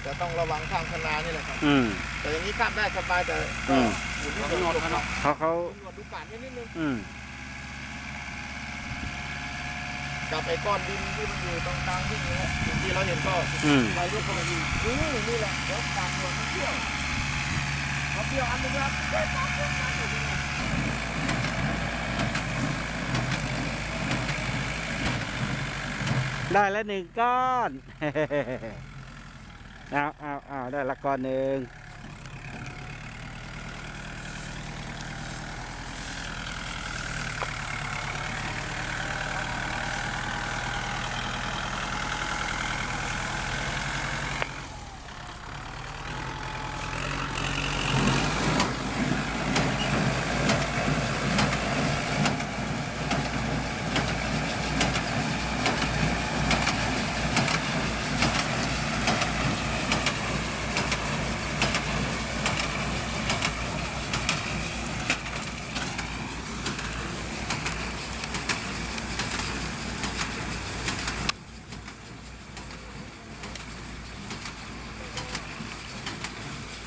จะต้องระวังข้ามคณานี่แหละครับอืมแต่อย่างนี้ข้ามได้สบายแต่ก็อยู่ที่หนวดครับเขาหนวดดูปาดนิดนึงอืมกับไอ้ก้อนดินที่มันอยู่ตรงกลางที่นี่ฮะที่เราเห็นก็อืมไปยกเข้ามาดูนี่แหละเดี๋ยวปาดหนวดมันเที่ยวเขาเที่ยวอันนึงครับเฮ้ยปาดหนวดมันอยู่นี่ได้แล้ว1 ก้อน เอาได้ละก้อนหนึ่ง